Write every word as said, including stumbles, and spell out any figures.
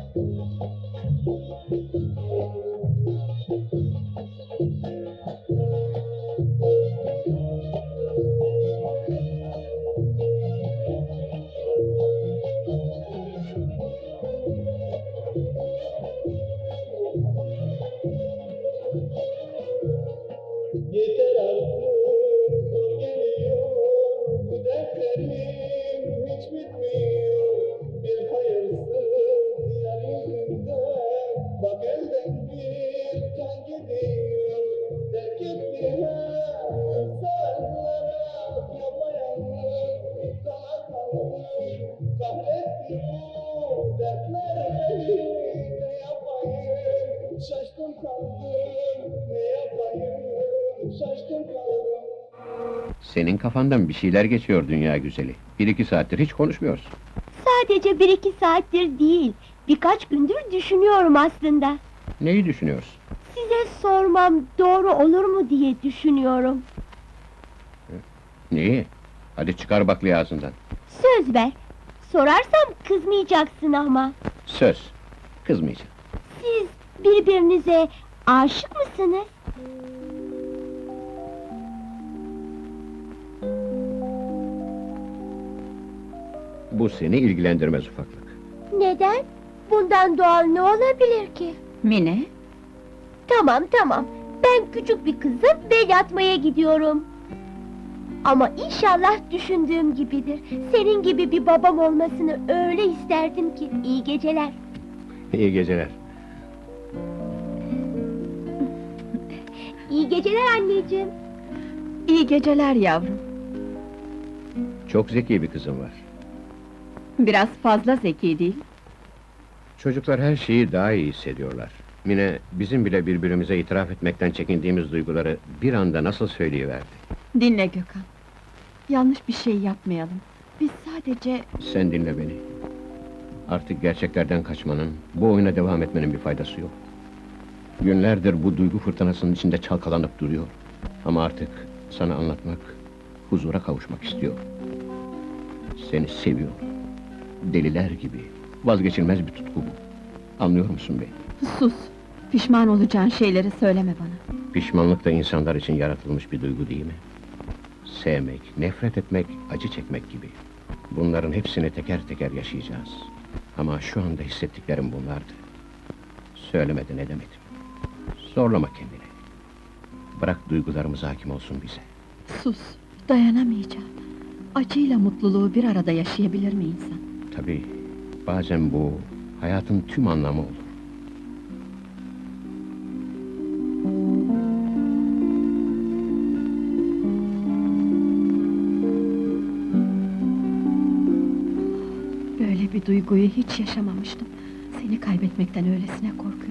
Yeter artık, zor geliyor, bu dertlerim hiç bitmiyor. Bir hayırsız yar yüzünden, bak elden bir can gidiyor. Terk ettiler insanlara, yapayalnız sana kaldım. Kahretti bu dertler beni, ne yapayım, şaştım kaldım, ne yapayım. Şaşkın kaldım. Senin kafandan bir şeyler geçiyor dünya güzeli. Bir iki saattir hiç konuşmuyorsun. Sadece bir iki saattir değil, birkaç gündür düşünüyorum aslında. Neyi düşünüyorsun? Size sormam doğru olur mu diye düşünüyorum. Neyi? Hadi çıkar baklayı ağzından. Söz ver, sorarsam kızmayacaksın ama. Söz. Kızmayacağım. Siz birbirinize aşık mısınız? Bu seni ilgilendirmez ufaklık. Neden? Bundan doğal ne olabilir ki? Mine, Tamam tamam, ben küçük bir kızım bel atmaya gidiyorum. Ama inşallah düşündüğüm gibidir. Senin gibi bir babam olmasını öyle isterdim ki. İyi geceler. İyi geceler. İyi geceler anneciğim. iyi geceler yavrum. Çok zeki bir kızım var. Biraz fazla zeki değil. Çocuklar her şeyi daha iyi hissediyorlar. Mine, bizim bile birbirimize itiraf etmekten çekindiğimiz duyguları bir anda nasıl söyleyiverdi. Dinle Gökhan. Yanlış bir şey yapmayalım. Biz sadece... Sen dinle beni. Artık gerçeklerden kaçmanın, bu oyuna devam etmenin bir faydası yok. Günlerdir bu duygu fırtınasının içinde çalkalanıp duruyor. Ama artık sana anlatmak, huzura kavuşmak istiyor. Seni seviyor. Deliler gibi, vazgeçilmez bir tutku bu. Anlıyor musun beni? Sus! Pişman olacağın şeyleri söyleme bana. Pişmanlık da insanlar için yaratılmış bir duygu değil mi? Sevmek, nefret etmek, acı çekmek gibi. Bunların hepsini teker teker yaşayacağız. Ama şu anda hissettiklerim bunlardı. Söylemeden edemedim. Zorlama kendini. Bırak duygularımız hakim olsun bize. Sus! Dayanamayacağım. Acıyla mutluluğu bir arada yaşayabilir mi insan? Tabii, bazen bu, hayatın tüm anlamı olur. Böyle bir duyguyu hiç yaşamamıştım. Seni kaybetmekten öylesine korkuyorum.